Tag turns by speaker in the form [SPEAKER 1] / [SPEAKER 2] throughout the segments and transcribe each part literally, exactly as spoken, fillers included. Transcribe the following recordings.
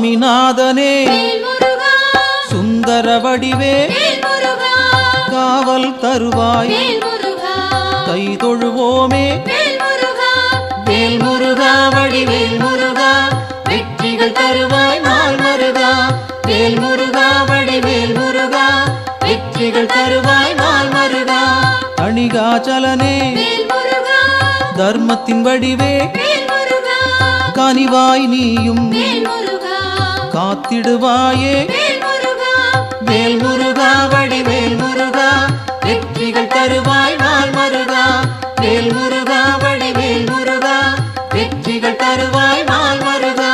[SPEAKER 1] சுவாமிநாதனே சுந்தர வடிவே காவல் தருவாய் கை தொழுவோமே வேல் முருகா வடிவேல் முருகா வெற்றிகள் தருவாய் நாள் மருகா வேல் முருகா வடிவேல் முருகா வெற்றிகள் தருவாய் நாள் மருகா அணிகாச்சலனே தர்மத்தின் வடிவே கனிவாய் நீயும் காத்திடுவாயே வேல் முருகா வடிவேல் முருகா வெற்றிகள் தருவாய் நாள் மருகா வேல் முருகா வடிவேல் முருகா வெற்றிகள் தருவாய் நாள் மருகா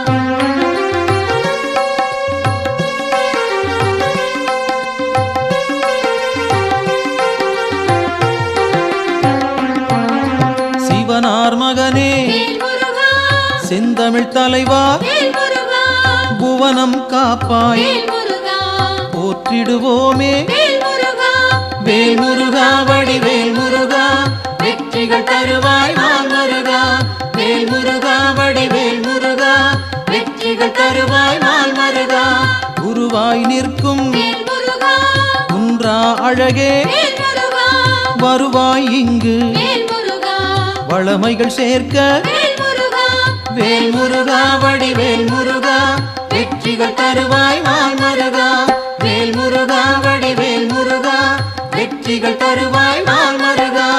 [SPEAKER 1] சிவனார் மகனே செந்தமிழ் தலைவா புவனம் காப்பாய் போற்றிடுவோமே வேல் முருகா வடிவேல் முருகா வெற்றிகள் தருவாய் நாள் மருகா வேல் முருகா வடிவேல் முருகா வெற்றிகள் தருவாய் நாள் மருகா குருவாய் நிற்கும் குன்றா அழகே வருவாய் இங்கு வளமைகள் சேர்க்க வேல் முருகா வடிவேல் முருகா வெற்றிகள் தருவாய் நாள் மருகா வேல் முருகா வடிவேல் முருகா வெற்றிகள் தருவாய் நாள் மருகா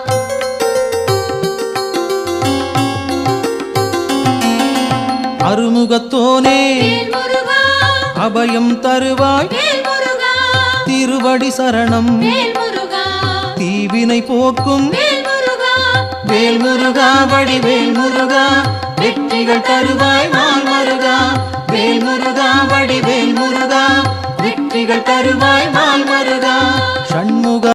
[SPEAKER 1] அருமுகத்தோனே அபயம் தருவாய் திருவடி சரணம் தீவினை போக்கும் வேல் முருகா வடிவேல் முருகா வெற்றிகள் தருவாய் நாள் மருகா வேல் முருகா வடிவேல் முருகா வெற்றிகள் தருவாய் நாள் மருகா சண்முக